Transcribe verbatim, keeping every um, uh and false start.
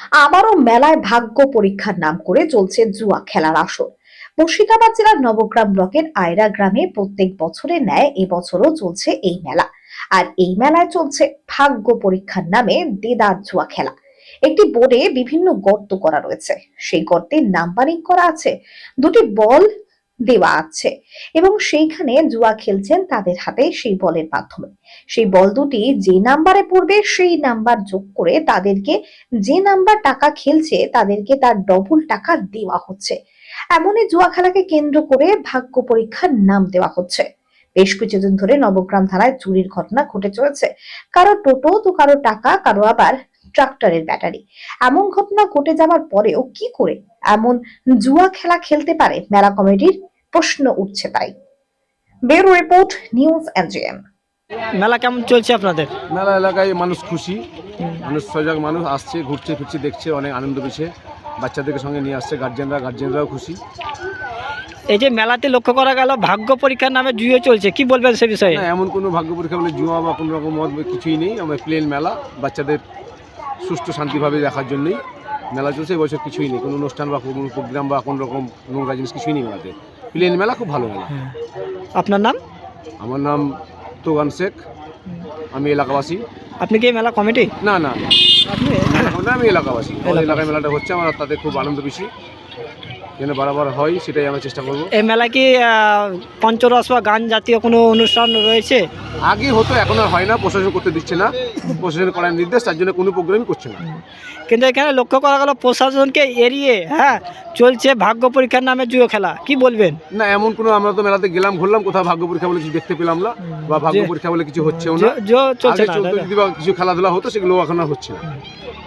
আবারও মেলায় ভাগ্য পরীক্ষার নাম করে চলছে জুয়া খেলার আসর। মুর্শিদাবাদ জেলার নবগ্রাম ব্লকের আয়রা গ্রামে প্রত্যেক বছরের ন্যায় এবছরও চলছে এই মেলা। আর এই মেলায় চলছে ভাগ্য পরীক্ষার নামে দেদার জুয়া খেলা। একটি বোর্ডে বিভিন্ন গর্ত করা রয়েছে, সেই গর্তে নাম্বারিং করা আছে, দুটি বল দেওয়া আছে এবং সেইখানে জুয়া খেলছেন তাদের হাতে সেই বলের মাধ্যমে। সেই বল দুটি যে নাম্বারে পড়বে সেই নাম্বার যোগ করে তাদেরকে, যে নাম্বার টাকা খেলছে তাদেরকে তার ডবল টাকা দেওয়া হচ্ছে। এমনই জুয়া খেলাকে কেন্দ্র করে ভাগ্য পরীক্ষার নাম দেওয়া হচ্ছে। বেশ কিছুদিন ধরে নবগ্রাম থানায় চুরির ঘটনা ঘটে চলেছে। কারো টোটো তো কারো টাকা, কারো আবার ট্রাক্টরের ব্যাটারি। এমন ঘটনা ঘটে যাওয়ার পরেও কি করে এমন জুয়া খেলা খেলতে পারে মেলা কমিটির, প্রশ্ন উঠছে তাই। Bureau report, news NGM. মেলা কেমন চলছে আপনাদের? মেলা এলাকায় মানুষ খুশি, মানুষ সজাগ, মানুষ আসছে, ঘুরছে ফিরছে, দেখছে, অনেক আনন্দ পেয়েছে। বাচ্চাদেরকে সঙ্গে নিয়ে আসছে, গার্জেনরা গার্জেনরাও খুশি। এই যে মেলাতে লক্ষ্য করা গেল ভাগ্য পরীক্ষার নামে জুয়ো চলছে, কি বলবেন সে বিষয়ে? না, এমন কোনো ভাগ্য পরীক্ষা বলে জুয়া বা কোনো রকম মত কিছুই নেই। আমার প্লেন মেলা, বাচ্চাদের সুষ্ঠু শান্তিভাবে দেখার জন্যই মেলা চলছে। এবছর কিছুই নেই, কোনো অনুষ্ঠান বা কোনো প্রোগ্রাম বা কোনো রকম নোংরা জিনিস কিছুই নেই মেলাতে। প্লেন মেলা, খুব ভালো মেলা। আপনার নাম? আমার নাম তোগান শেখ, আমি এলাকাবাসী। আপনি কি এই মেলা কমিটি? না না না, আপনি আমি এলাকাবাসী। আমাদের এলাকায় মেলাটা হচ্ছে, আমার তাতে খুব আনন্দ বেশি, যেন বারবার হয় সেটাই আমরা চেষ্টা করবো। এই মেলায় কি আহ, পঞ্চরস বা গান জাতীয় কোনো অনুষ্ঠান রয়েছে? আগে হতো, এখন আর হয় না, প্রশাসন করতে দিচ্ছে না, প্রশাসন করার নির্দেশ, তার জন্য কোনো প্রোগ্রামই করছে না। কিন্তু এখানে লক্ষ্য করা গেল প্রশাসনকে এড়িয়ে হ্যাঁ চলছে ভাগ্য পরীক্ষার নামে জুয়ো খেলা, কি বলবেন? না, এমন কোনো, আমরা তো মেলাতে গেলাম, ঘুরলাম, কোথাও ভাগ্য পরীক্ষা বলে কিছু দেখতে পেলাম না, বা ভাগ্য পরীক্ষা বলে কিছু হচ্ছেও না। জো- জো চলছে আগে না, চলতো, তাই না? যদি বা কিছু খেলাধুলা হতো, সেগুলো এখন আর হচ্ছে না।